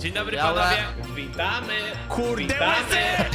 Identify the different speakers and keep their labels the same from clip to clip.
Speaker 1: Dzień dobry
Speaker 2: Białe.
Speaker 1: panowie.
Speaker 3: Witamy!
Speaker 1: Kurde,
Speaker 3: Witamy!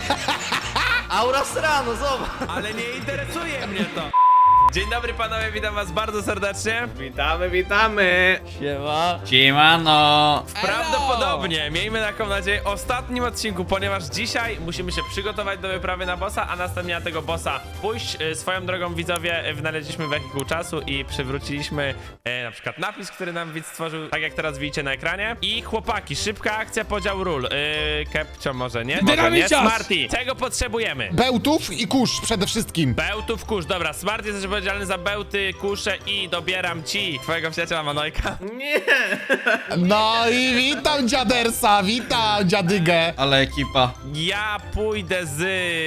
Speaker 2: Aura Serrano, zobacz.
Speaker 1: ale nie interesuje mnie to. Dzień dobry panowie, witam was bardzo serdecznie.
Speaker 3: Witamy, witamy!
Speaker 2: Siema.
Speaker 4: Siemano!
Speaker 1: Prawdopodobnie, miejmy taką nadzieję, ostatnim odcinku, ponieważ dzisiaj musimy się przygotować do wyprawy na bossa, a następnie na tego bossa pójść. Swoją drogą, widzowie, wynaleźliśmy wehikuł czasu i przywróciliśmy na przykład napis, który nam widz stworzył, tak jak teraz widzicie na ekranie. I chłopaki, szybka akcja, podział ról. Kepcio może nie? Może nie. Smarty, czego potrzebujemy?
Speaker 5: Bełtów i kurz przede wszystkim.
Speaker 1: Bełtów, kurz, dobra, Smart jesteś odpowiedzialny za bełty, kusze i dobieram ci twojego przyjaciela Manojka.
Speaker 3: Nie!
Speaker 5: No i witam dziadersa, witam dziadygę.
Speaker 4: Ale ekipa.
Speaker 1: Ja pójdę z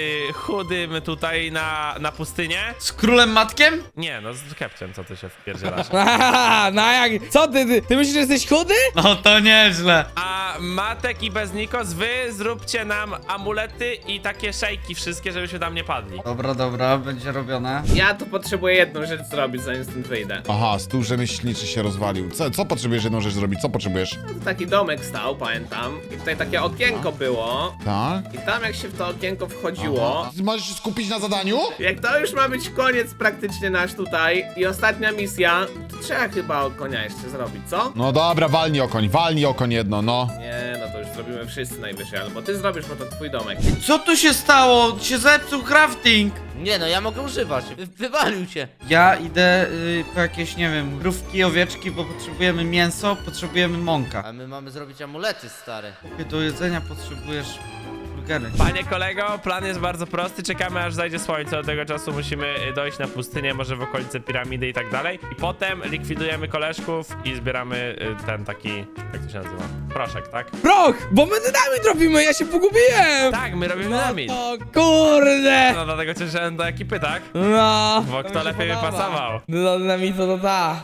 Speaker 1: chudym tutaj na pustynię.
Speaker 4: Z królem matkiem?
Speaker 1: Nie, no z Kepciem, co ty się wpierdzielasz.
Speaker 6: Haha, no jak? Co ty myślisz, że jesteś chudy?
Speaker 4: No to nieźle.
Speaker 1: A Matek i Beznikos, wy zróbcie nam amulety i takie szejki wszystkie, żebyśmy tam nie padli.
Speaker 4: Dobra, będzie robione.
Speaker 3: Ja tu potrzebuję jedną rzecz zrobić, zanim stąd wyjdę.
Speaker 5: Aha, stół rzemieślniczy się rozwalił. Co potrzebujesz jedną rzecz zrobić? Co potrzebujesz?
Speaker 3: No, taki domek stał, pamiętam. I tutaj takie okienko było.
Speaker 5: Tak?
Speaker 3: I tam jak się w to okienko wchodziło...
Speaker 5: Ty możesz się skupić na zadaniu?
Speaker 3: Jak to już ma być koniec praktycznie nasz tutaj i ostatnia misja, to trzeba chyba konia jeszcze zrobić, co?
Speaker 5: No dobra, walnij okoń jedno, no.
Speaker 3: Nie, no to już zrobimy wszyscy najwyżej, albo ty zrobisz, bo to twój domek.
Speaker 4: Co tu się stało? Się zepsuł crafting.
Speaker 2: Nie no, ja mogę używać. Wywalił cię.
Speaker 4: Ja idę po jakieś, nie wiem, krówki, owieczki, bo potrzebujemy mięso, potrzebujemy mąka.
Speaker 2: A my mamy zrobić amulety, stary.
Speaker 4: Do jedzenia potrzebujesz burgery.
Speaker 1: Panie kolego, plan jest bardzo prosty, czekamy aż zajdzie słońce, od tego czasu musimy dojść na pustynię, może w okolice piramidy i tak dalej. I potem likwidujemy koleżków i zbieramy ten taki, jak to się nazywa? Proszek, tak?
Speaker 6: Proch, bo my dynamit robimy, ja się pogubiłem.
Speaker 1: Tak, my robimy dynamit.
Speaker 6: O kurde.
Speaker 1: No dlatego cię wziąłem do ekipy, tak?
Speaker 6: No.
Speaker 1: Bo
Speaker 6: to
Speaker 1: kto
Speaker 6: mi się
Speaker 1: lepiej by
Speaker 6: podoba.
Speaker 1: pasował?
Speaker 6: No dynamitu to ta.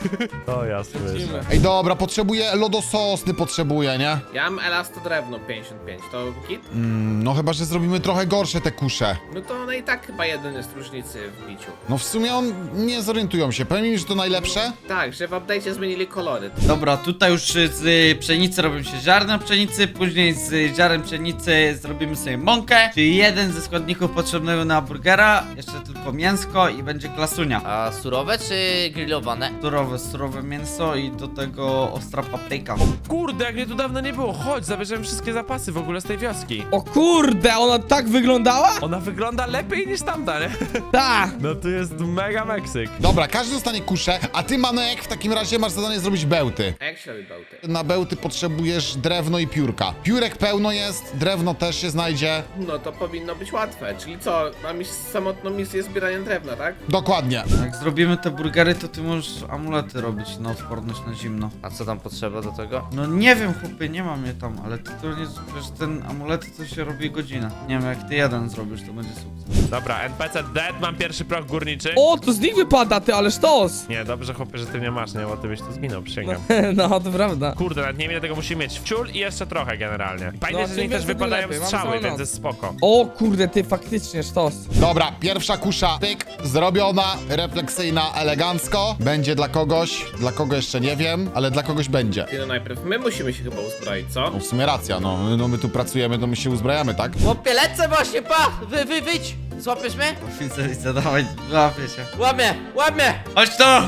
Speaker 1: To ja słyszę.
Speaker 5: Ej, dobra, potrzebuję lodososny, potrzebuję, nie?
Speaker 3: Ja mam elastodrewno 55, to kit?
Speaker 5: No chyba, że zrobimy trochę gorsze te kusze.
Speaker 3: No to one i tak chyba jeden jest różnicy w biciu.
Speaker 5: No w sumie nie zorientują się. Powiem im, że to najlepsze?
Speaker 3: Tak, że w update'cie zmienili kolory.
Speaker 4: Dobra, tutaj już z pszenicy robią się ziarna pszenicy, później z ziaren pszenicy zrobimy sobie mąkę, czyli jeden ze składników potrzebnego na burgera, jeszcze tylko mięsko i będzie klasunia.
Speaker 2: A surowe czy grillowane?
Speaker 4: Surowe mięso i do tego ostra papryka.
Speaker 1: Kurde, jak mnie tu dawno nie było, chodź, zabierzemy wszystkie zapasy w ogóle z tej wioski.
Speaker 6: O kurde, ona tak wyglądała?
Speaker 1: Ona wygląda lepiej niż tamta, nie?
Speaker 6: Ta.
Speaker 1: No tu jest mega Meksyk.
Speaker 5: Dobra, każdy dostanie kuszę, a ty, Manojek, w takim razie masz zadanie zrobić bełty.
Speaker 3: A jak się robi bełty?
Speaker 5: Na bełty potrzebujesz drewno i piórka. Piórek pełno jest, drewno też się znajdzie.
Speaker 3: No to powinno być łatwe, czyli co, mam iść samotną misję zbierania drewna, tak?
Speaker 5: Dokładnie.
Speaker 4: Jak zrobimy te burgery, to ty możesz amulety robić na odporność na zimno.
Speaker 2: A co tam potrzeba do tego?
Speaker 4: No nie wiem, chłopie, nie mam je tam, ale ty to nie... Przecież ten amulet to się robi godzinę. Nie wiem, jak ty jeden zrobisz, to będzie sukces.
Speaker 1: Dobra, NPC dead, mam pierwszy proch górniczy.
Speaker 6: O, to z nich wypada, ty, ale sztos.
Speaker 1: Nie, dobrze chłopie, że ty nie masz, nie? Bo ty byś tu zginął, przysięgam.
Speaker 6: No, to prawda.
Speaker 1: Kurde, nawet nie wiem ile tego musimy mieć. Wciul i jeszcze trochę generalnie. Pamiętaj,
Speaker 6: No,
Speaker 1: że z
Speaker 6: tym
Speaker 1: nich też
Speaker 6: więcej, tym
Speaker 1: wypadają
Speaker 6: lepiej. Mamy
Speaker 1: strzały,
Speaker 6: całą
Speaker 1: więc
Speaker 6: noc.
Speaker 1: jest spoko.
Speaker 6: O kurde, ty, faktycznie sztos.
Speaker 5: Dobra, pierwsza kusza, pyk, zrobiona, refleksyjna, elegancko. Będzie dla kogoś, dla kogo jeszcze nie wiem, ale dla kogoś będzie.
Speaker 3: Ty no najpierw my musimy się chyba uzbroić, co?
Speaker 5: No w sumie racja, no my tu pracujemy, to my się uzbrajamy, tak?
Speaker 2: Chłopie, lecę właśnie, pa! Wyjdź! Złapiesz mnie?
Speaker 4: Widzę, dawaj, łapię się.
Speaker 2: Łapie!
Speaker 4: Chodź to!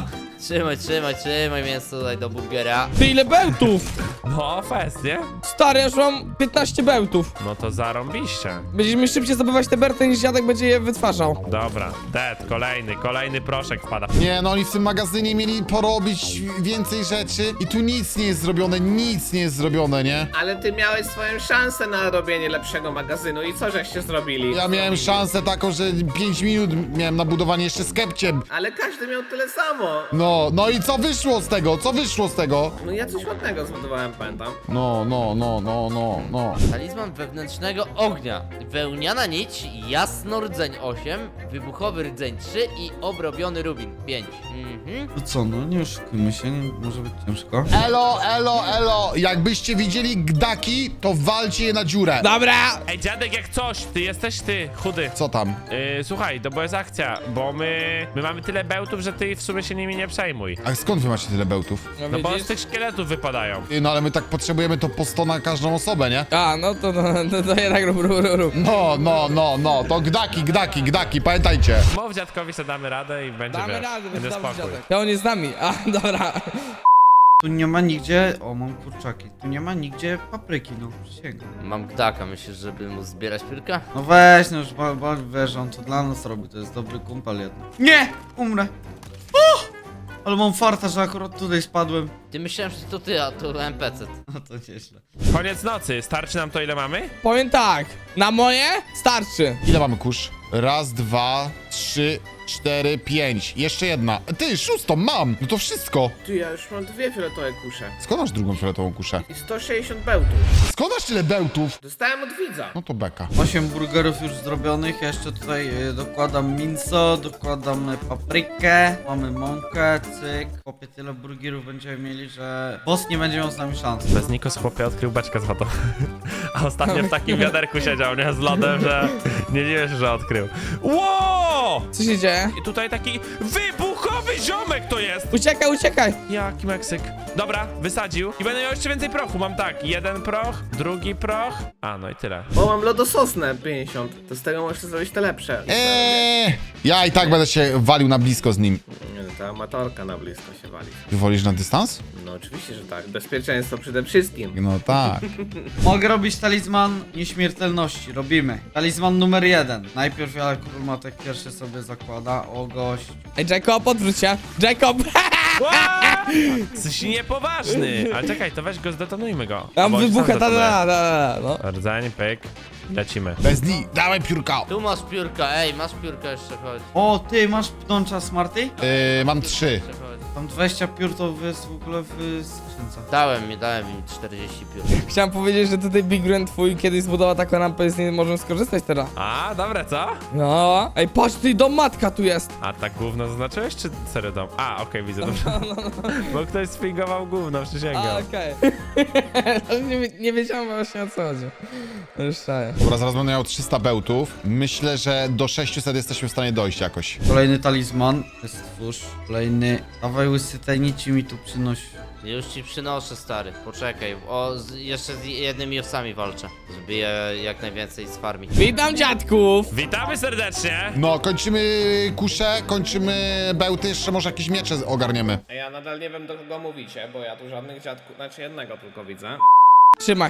Speaker 2: Trzymaj mięso tutaj do burgera.
Speaker 6: Ty, ile bełtów?
Speaker 1: No, fest, nie?
Speaker 6: Stary, ja już mam 15 bełtów.
Speaker 1: No to zarąbiście.
Speaker 6: Będziesz mi szybciej zdobywać te berty, niż dziadek będzie je wytwarzał.
Speaker 1: Dobra, dead, kolejny proszek wpada.
Speaker 5: Nie, no oni w tym magazynie mieli porobić więcej rzeczy i tu nic nie jest zrobione, nie?
Speaker 3: Ale ty miałeś swoją szansę na robienie lepszego magazynu i co żeście zrobili?
Speaker 5: Ja miałem szansę taką, że 5 minut miałem na budowanie jeszcze z Kepciem.
Speaker 3: Ale każdy miał tyle samo.
Speaker 5: No i co wyszło z tego?
Speaker 3: No ja coś ładnego zbudowałem, pamiętam.
Speaker 5: No.
Speaker 2: Talizman wewnętrznego ognia. Wełniana nić, jasno rdzeń 8, wybuchowy rdzeń 3 i obrobiony rubin 5.
Speaker 4: No co, no nie oszukujmy się, nie może być ciężko.
Speaker 5: Elo. Jakbyście widzieli gdaki, to walcie je na dziurę.
Speaker 6: Dobra.
Speaker 1: Ej, dziadek, jak coś, ty jesteś chudy.
Speaker 5: Co tam?
Speaker 1: Słuchaj, to bo jest akcja, bo my mamy tyle bełtów, że ty w sumie się nimi nie przejmuj.
Speaker 5: A skąd wy macie tyle bełtów?
Speaker 1: No bo z tych szkieletów wypadają.
Speaker 5: No ale my tak potrzebujemy to po 100 na każdą osobę, nie?
Speaker 6: A, no to jednak rób.
Speaker 5: No, to gdaki, pamiętajcie.
Speaker 1: Mów dziadkowi, że damy radę i będzie,
Speaker 6: Damy
Speaker 1: wiesz,
Speaker 6: radę,
Speaker 1: będzie
Speaker 6: dobrze,
Speaker 1: spokój.
Speaker 6: dziadek. To on jest z nami. A, dobra.
Speaker 4: Tu nie ma nigdzie... O, mam kurczaki. Tu nie ma nigdzie papryki, no przysięgam.
Speaker 2: Mam gdaka, myślisz, żeby mu zbierać piórka?
Speaker 4: No weź, no już wiesz, on to dla nas robi, to jest dobry kumpel jednak. Nie! Umrę! O! Ale mam farta, że akurat tutaj spadłem.
Speaker 2: Ty myślałem, że to ty, a to NPC.
Speaker 4: No to nieźle.
Speaker 1: Koniec nocy, starczy nam to ile mamy?
Speaker 6: Powiem tak. Na moje starczy.
Speaker 5: Ile mamy kurz? Raz, dwa, trzy, 4, 5. Jeszcze jedna. Ty, 6 mam! No to wszystko.
Speaker 3: Ty, ja już mam 2 fioletowe kusze.
Speaker 5: Skąd masz drugą fioletową kuszę?
Speaker 3: I 160 bełtów.
Speaker 5: Skąd masz tyle bełtów?
Speaker 3: Dostałem od widza.
Speaker 5: No to beka.
Speaker 4: 8 burgerów już zrobionych, ja jeszcze tutaj dokładam mięso, dokładam paprykę, mamy mąkę, cyk. Chłopie, tyle burgerów będziemy mieli, że boss nie będzie miał z nami szans.
Speaker 1: Bez Nikos chłopie odkrył beczkę z wodą. A ostatnio w takim wiaderku siedział, nie? Z lodem, że nie wiesz, że odkrył. Ło!
Speaker 6: Co się dzieje?
Speaker 1: I tutaj taki wybuchowy ziomek to jest!
Speaker 6: Uciekaj.
Speaker 1: Jaki Meksyk. Dobra, wysadził. I będę miał jeszcze więcej prochu. Mam tak, jeden proch, drugi proch. A, no i tyle.
Speaker 3: Bo mam lodososnę 50. To z tego możesz zrobić te lepsze.
Speaker 5: Ja i tak będę się walił na blisko z nim.
Speaker 3: Nie, no, ta amatorka na blisko się wali.
Speaker 5: Ty wolisz na dystans?
Speaker 3: No oczywiście, że tak. Bezpieczeństwo przede wszystkim.
Speaker 5: No tak.
Speaker 4: Mogę robić talizman nieśmiertelności, robimy. Talizman numer 1. Najpierw ja Matek pierwszy sobie zakłada, o gość.
Speaker 6: Ej, Jacob, odwróć się. Jacob!
Speaker 1: Ła! Jesteś niepoważny. Ale czekaj, to weź go, zdetonujmy go.
Speaker 6: Tam
Speaker 1: Albo
Speaker 6: wybucha,
Speaker 1: sam detonuję.
Speaker 6: no.
Speaker 1: Rdzeń, pyk. Lecimy.
Speaker 5: Bez dni, dałem piórka.
Speaker 2: Tu masz piórka, ej, masz piórka jeszcze, chodź.
Speaker 4: O, ty masz pnącza Smarty?
Speaker 5: Mam 3.
Speaker 2: Jeszcze chodź.
Speaker 4: Tam 20 piór to jest w ogóle w skrzynce.
Speaker 2: Dałem im 40 piór.
Speaker 6: Chciałem powiedzieć, że tutaj Big Grand twój kiedyś zbudował taką rampę i z niej możemy skorzystać teraz.
Speaker 1: A, dobre, co?
Speaker 6: No. Ej, patrz, ty dom matka tu jest.
Speaker 1: A tak gówno zaznaczyłeś, czy serio dom? A, okej, widzę, dobrze. Bo ktoś sfingował gówno, przysięgam.
Speaker 6: A, okej. nie wiedziałem właśnie o co chodzi. No już czaję.
Speaker 5: Dobra, zaraz będę miał 300 bełtów. Myślę, że do 600 jesteśmy w stanie dojść jakoś.
Speaker 4: Kolejny talizman, stwórz. Kolejny. Dawaj łysy tajnici mi tu przynosi.
Speaker 2: Już ci przynoszę, stary, poczekaj. Jeszcze z jednymi owcami walczę, żeby je jak najwięcej z farmi.
Speaker 6: Witam dziadków.
Speaker 1: Witamy serdecznie!
Speaker 5: No, kończymy kuszę, kończymy bełty, jeszcze może jakieś miecze ogarniemy.
Speaker 3: A ja nadal nie wiem, do kogo mówicie, bo ja tu żadnych dziadków, znaczy jednego tylko widzę.
Speaker 6: Trzymaj.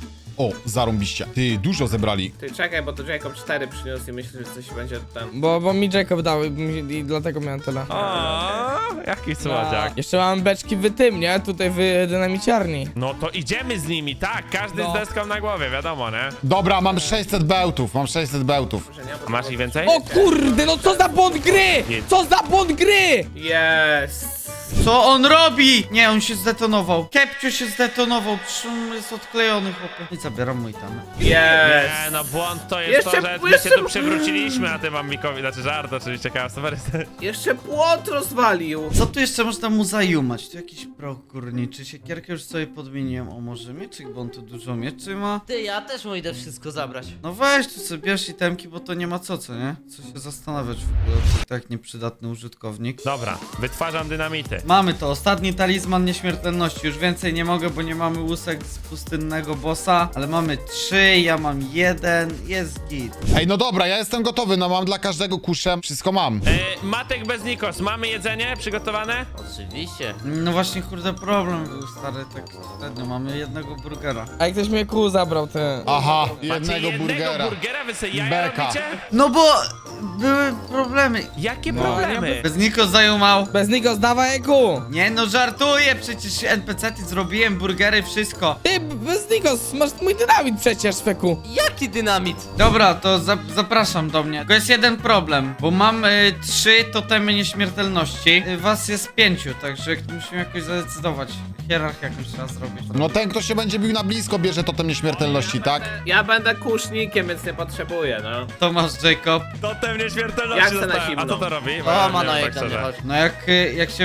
Speaker 5: O, zarąbiście. Ty, dużo zebrali.
Speaker 3: Ty czekaj, bo to Jacob 4 przyniósł i myślę, że coś będzie tam.
Speaker 6: Bo mi Jacob dał i dlatego miałem tyle.
Speaker 1: O, jaki słodziak.
Speaker 6: Jeszcze mam beczki w tym, nie? Tutaj w dynamiciarni.
Speaker 1: No to idziemy z nimi, tak, każdy
Speaker 6: No.
Speaker 1: z deską na głowie, wiadomo, nie?
Speaker 5: Dobra, mam 600 bełtów, mam 600 bełtów.
Speaker 3: Że nie, bo
Speaker 1: A masz ich więcej?
Speaker 6: O kurde, no co za błąd gry! Co za błąd gry!
Speaker 3: Jest.
Speaker 4: Co on robi? Nie, on się zdetonował. Kepcio się zdetonował, przecież on jest odklejony, chłopie. I zabieram mój tam.
Speaker 3: Jest.
Speaker 1: Nie, no błąd to jest
Speaker 3: Jeszcze-
Speaker 1: to, że my
Speaker 3: jeszcze-
Speaker 1: się tu przewróciliśmy, a ty mam Mikowi, znaczy żart oczywiście, kawa super.
Speaker 3: Jeszcze płot rozwalił.
Speaker 4: Co tu jeszcze można mu zajumać? Tu jakiś proch górniczy, siekierkę już sobie podmieniłem. O, może mieczyk, bo on tu dużo mieczy ma.
Speaker 2: Ty, ja też mu idę wszystko zabrać.
Speaker 4: No weź tu sobie bierz itemki, bo to nie ma co, nie? Co się zastanawiać w ogóle, to tak nieprzydatny użytkownik.
Speaker 1: Dobra, wytwarzam dynamity.
Speaker 4: Mamy to, ostatni talizman nieśmiertelności. Już więcej nie mogę, bo nie mamy łusek z pustynnego bossa. Ale mamy 3, ja mam 1, jest git.
Speaker 5: Ej, no dobra, ja jestem gotowy, no mam dla każdego kuszę, wszystko mam.
Speaker 1: Matek bez Nikos, mamy jedzenie przygotowane?
Speaker 2: Oczywiście.
Speaker 4: No właśnie, kurde, problem był, stary, tak średnio. Mamy jednego burgera.
Speaker 6: A jak ktoś mnie kół zabrał, ty.
Speaker 5: Aha,
Speaker 1: Macie
Speaker 5: jednego burgera.
Speaker 1: burgera, wy sobie jaja
Speaker 5: Beka.
Speaker 1: robicie?
Speaker 4: No bo były problemy.
Speaker 1: Jakie
Speaker 6: No,
Speaker 1: problemy?
Speaker 4: Bez Niko zajumał.
Speaker 6: Bez niego zdawaj kół.
Speaker 4: Nie no, żartuję, przecież NPC-ty zrobiłem, burgery, wszystko.
Speaker 6: Ty, bez niego, masz mój dynamit przecież, feku.
Speaker 2: Jaki dynamit?
Speaker 4: Dobra, to zapraszam do mnie. Tylko jest jeden problem, bo mam 3 totemy nieśmiertelności. Was jest 5, także musimy jakoś zadecydować. Hierarchię jakąś trzeba zrobić.
Speaker 5: No ten, kto się będzie bił na blisko, bierze totem nieśmiertelności, tak?
Speaker 3: Ja będę kusznikiem, więc nie potrzebuję, no.
Speaker 4: To masz, Jacob.
Speaker 1: Totem nieśmiertelności
Speaker 3: Jak se na
Speaker 1: dostałem. A
Speaker 3: zimno.
Speaker 1: co to robi? Bo
Speaker 2: O,
Speaker 1: ja
Speaker 2: ma
Speaker 1: nie
Speaker 2: na
Speaker 1: wiem, tak
Speaker 2: jedzenie,
Speaker 1: szczerze.
Speaker 2: chodź.
Speaker 4: No jak się wywalisz,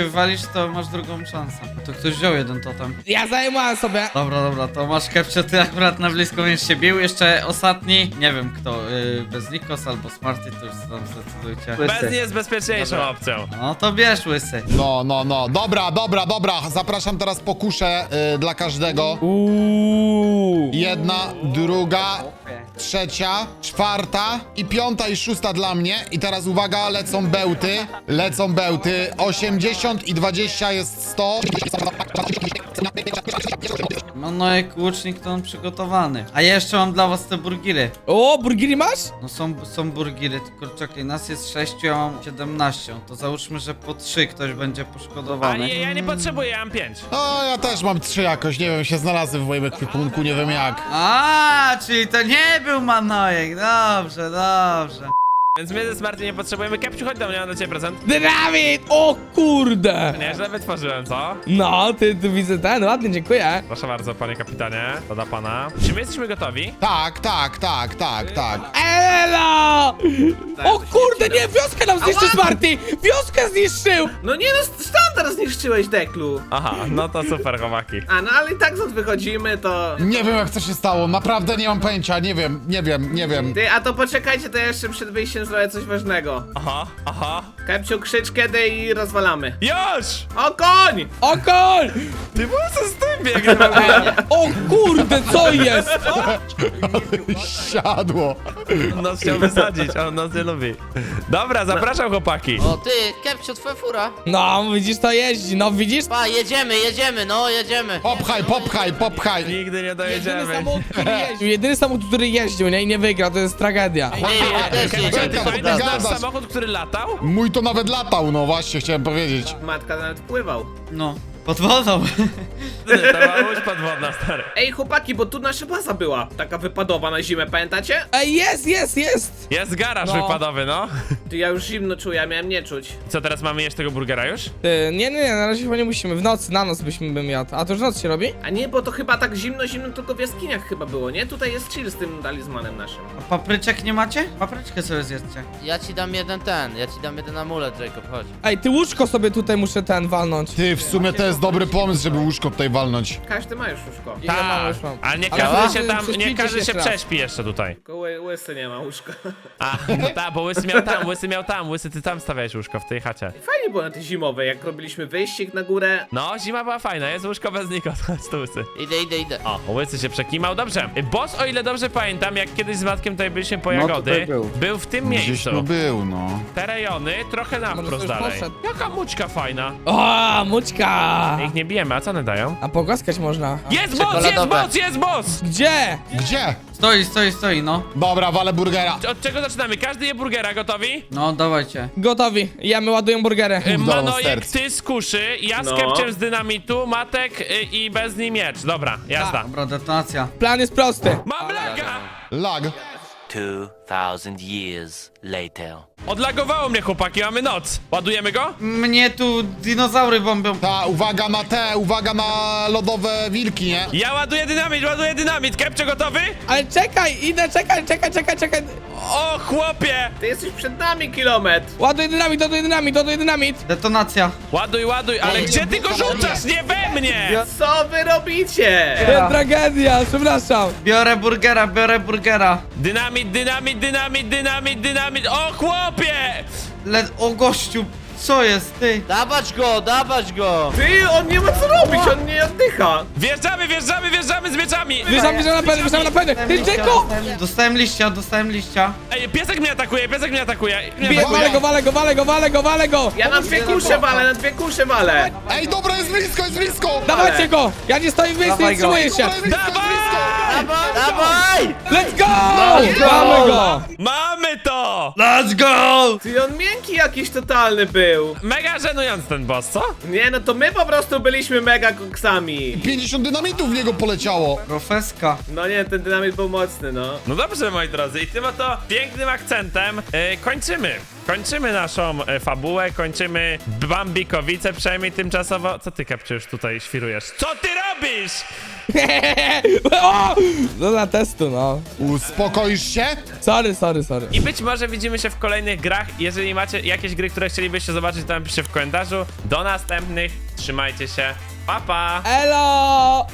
Speaker 4: to masz drugą szansę. To ktoś wziął jeden totem.
Speaker 6: Ja zajmowałem sobie.
Speaker 4: Dobra, to masz Kepcio, ty akurat na blisko będziesz się bił. Jeszcze ostatni, nie wiem kto, bez Nikos albo Smarty, to już tam zdecydujcie.
Speaker 1: Bez nie jest bezpieczniejszą opcją.
Speaker 4: No to bierz, łysy.
Speaker 5: No. Dobra. Zapraszam teraz po kuszę dla każdego. Jedna, druga, trzecia, czwarta i piąta i szósta dla mnie. I teraz uwaga, lecą bełty. 80 i 20 jest 100.
Speaker 4: Manojek, łucznik to on przygotowany. A ja jeszcze mam dla was te burgiry.
Speaker 6: O, burgery masz?
Speaker 4: No są burgiry, tylko czekaj, nas jest 6, ja mam 17. To załóżmy, że po 3 ktoś będzie
Speaker 1: A
Speaker 4: poszkodowany.
Speaker 1: ja nie potrzebuję, ja mam 5.
Speaker 5: O, ja też mam 3 jakoś, nie wiem, się znalazły w moim ekwipunku, nie wiem jak.
Speaker 4: A, czyli to nie był Manojek, dobrze.
Speaker 1: Więc my ze Smarty nie potrzebujemy. Kepciu, chodź do mnie, mam dla ciebie prezent.
Speaker 6: Dynamit! O kurde!
Speaker 1: Nieźle wytworzyłem, co?
Speaker 6: No, ty tu widzę ten, ładnie, dziękuję.
Speaker 1: Proszę bardzo, panie kapitanie. To dla pana. Czy my jesteśmy gotowi?
Speaker 5: Tak.
Speaker 6: Elo! O kurde, nie, wioskę nam zniszczył Smarty! Wioskę zniszczył!
Speaker 3: No nie no, standard zniszczyłeś, Deklu.
Speaker 1: Aha, no to super, chłopaki.
Speaker 3: A no ale i tak stąd wychodzimy, to...
Speaker 5: Nie wiem jak to się stało, naprawdę nie mam pojęcia, nie wiem.
Speaker 3: Ty, a to poczekajcie, to ja jeszcze przed wyjściem zrobię coś ważnego.
Speaker 1: Aha.
Speaker 3: Kepciu, krzycz kiedy i rozwalamy.
Speaker 1: Już!
Speaker 3: O koń!
Speaker 6: Okol!
Speaker 1: Ty po co z tym biegnie w ogóle?
Speaker 6: O kurde, co jest?
Speaker 5: Siadło.
Speaker 1: On nas chciał wysadzić, a on nas nie lubi. Dobra, zapraszam chłopaki.
Speaker 2: O ty, Kepcio, twoja fura.
Speaker 6: No, widzisz, to jeździ, no widzisz?
Speaker 2: Pa, jedziemy, jedziemy.
Speaker 5: Popchaj.
Speaker 1: Nigdy nie
Speaker 6: Jedyny
Speaker 1: dojedziemy.
Speaker 6: samochód, który jeździł, jedyny samochód, który jeździł, nie? I nie wygrał, to jest tragedia.
Speaker 2: Ej, ja też
Speaker 1: Kepciu, ty
Speaker 2: jedziemy.
Speaker 1: pamiętasz nasz
Speaker 5: Gadasz.
Speaker 1: samochód, który latał?
Speaker 5: Mój to nawet latał, no właśnie, chciałem powiedzieć.
Speaker 3: Matka nawet pływał.
Speaker 4: No, pod wodą.
Speaker 1: To była łódź podwodna, stary.
Speaker 3: Ej, chłopaki, bo tu nasza baza była. Taka wypadowa na zimę, pamiętacie?
Speaker 6: Ej, jest!
Speaker 1: Jest garaż
Speaker 6: No.
Speaker 1: wypadowy, no.
Speaker 3: Ty, ja już zimno czuję, ja miałem nie czuć.
Speaker 1: Co, teraz mamy jeść tego burgera już?
Speaker 6: Nie, na razie chyba nie musimy, w nocy, na noc byśmy bym jadł. A to już noc się robi?
Speaker 3: A nie, bo to chyba tak zimno tylko w jaskiniach chyba było, nie? Tutaj jest chill z tym talizmanem naszym.
Speaker 4: A papryczek nie macie? Papryczkę sobie zjedzcie.
Speaker 2: Ja ci dam jeden amulet, Jacob, chodź.
Speaker 6: Ej, ty łóżko sobie tutaj muszę walnąć.
Speaker 5: Ty, w sumie to jest dobry pomysł, żeby łóżko tutaj walnąć.
Speaker 3: Każdy ma już łóżko.
Speaker 6: Ja mam, już mam.
Speaker 1: A nie
Speaker 6: Ale
Speaker 1: każdy się
Speaker 6: wy
Speaker 1: tam, nie
Speaker 6: prześpijcie
Speaker 1: każdy się
Speaker 6: jeszcze raz.
Speaker 1: prześpi jeszcze tutaj.
Speaker 3: Tylko łysy nie ma łóżka.
Speaker 1: A, no tak, bo łysy miał tam, łysy ty tam stawiałeś łóżko w tej chacie.
Speaker 3: Fajnie było na tej zimowej, jak robiliśmy wyścig na górę.
Speaker 1: No, zima była fajna, jest łóżko bez Nikos, chodź tu łysy.
Speaker 2: Idę.
Speaker 1: O, łysy się przekimał, dobrze. Boss, o ile dobrze pamiętam, jak kiedyś z Matkiem tutaj byliśmy po
Speaker 4: No,
Speaker 1: jagody,
Speaker 4: tutaj był.
Speaker 1: w tym
Speaker 5: Gdzieś
Speaker 1: miejscu.
Speaker 5: tu był, no.
Speaker 1: Te rejony, trochę na
Speaker 6: Może
Speaker 1: wprost
Speaker 6: to już
Speaker 1: dalej.
Speaker 6: poszedł.
Speaker 1: Jaka mućka fajna.
Speaker 6: O, mućka!
Speaker 1: Ich nie bijemy, a co one dają?
Speaker 6: A pogłaskać można.
Speaker 1: Jest boss, jest
Speaker 2: Czekoladowe.
Speaker 1: boss, jest boss!
Speaker 6: Gdzie?
Speaker 5: Gdzie?
Speaker 4: Stoi, no.
Speaker 5: Dobra, walę burgera.
Speaker 1: Od czego zaczynamy? Każdy je burgera, gotowi?
Speaker 4: No, dawajcie.
Speaker 6: Gotowi. Jemy, ładują burgery.
Speaker 1: Manojek,
Speaker 5: serc.
Speaker 1: ty z kuszy, ja z
Speaker 3: No.
Speaker 1: Kepciem z dynamitu, Matek i bez niej miecz. Dobra, jazda.
Speaker 4: Dobra, detonacja.
Speaker 6: Plan jest prosty.
Speaker 1: Mam laga!
Speaker 5: Lag.
Speaker 7: 2,000 years later.
Speaker 1: Odlagowało mnie, chłopaki, mamy noc. Ładujemy go?
Speaker 4: Mnie tu dinozaury bombią.
Speaker 5: Ta, uwaga na lodowe wilki, nie?
Speaker 1: Ja ładuję dynamit. Kepcio, gotowy?
Speaker 6: Ale czekaj, idę, czekaj.
Speaker 1: O, chłopie!
Speaker 3: Ty jesteś przed nami kilometr.
Speaker 6: Ładuj dynamit.
Speaker 4: Detonacja.
Speaker 1: Ładuj, ale gdzie ty go rzucasz? Nie we mnie!
Speaker 3: Co wy robicie?
Speaker 6: Tragedia, przepraszam.
Speaker 4: Biorę burgera.
Speaker 1: Dynamit. O, chłopie!
Speaker 4: O gościu, co jest, ty?
Speaker 2: Dawać go.
Speaker 3: Ty, on nie ma co robić, on nie oddycha.
Speaker 1: Wjeżdżamy z mieczami!
Speaker 6: Wyszłam na pewno. Ty, Dzeko!
Speaker 4: Dostałem liścia.
Speaker 1: Ej, piesek mnie atakuje.
Speaker 6: Walę go.
Speaker 3: Ja na dwie kusze walę.
Speaker 5: Ej, dobra, jest blisko!
Speaker 6: Dawajcie go. Ja nie stoję w miejscu, nie
Speaker 4: Dawaj go.
Speaker 6: wstrzymuję się.
Speaker 2: Dawaj!
Speaker 6: Let's go! Mamy go.
Speaker 1: Mamy to!
Speaker 4: Let's go!
Speaker 3: Ty, on miękki jakiś totalny był.
Speaker 1: Mega żenujący ten boss, co?
Speaker 3: Nie, no to my po prostu byliśmy mega koksami.
Speaker 5: 50 dynamitów w niego poleciało.
Speaker 4: Profeska.
Speaker 3: No nie, ten dynamit był mocny, no.
Speaker 1: No dobrze, moi drodzy, i tym oto pięknym akcentem kończymy Kończymy naszą fabułę, kończymy Bambikowice przynajmniej tymczasowo. Co ty, Kepcio, już tutaj świrujesz? Co ty robisz?
Speaker 6: O! No dla testu, no.
Speaker 5: Uspokoisz się?
Speaker 6: Sorry.
Speaker 1: I być może widzimy się w kolejnych grach. Jeżeli macie jakieś gry, które chcielibyście zobaczyć, to napiszcie w komentarzu. Do następnych. Trzymajcie się. Pa, pa!
Speaker 6: Elo!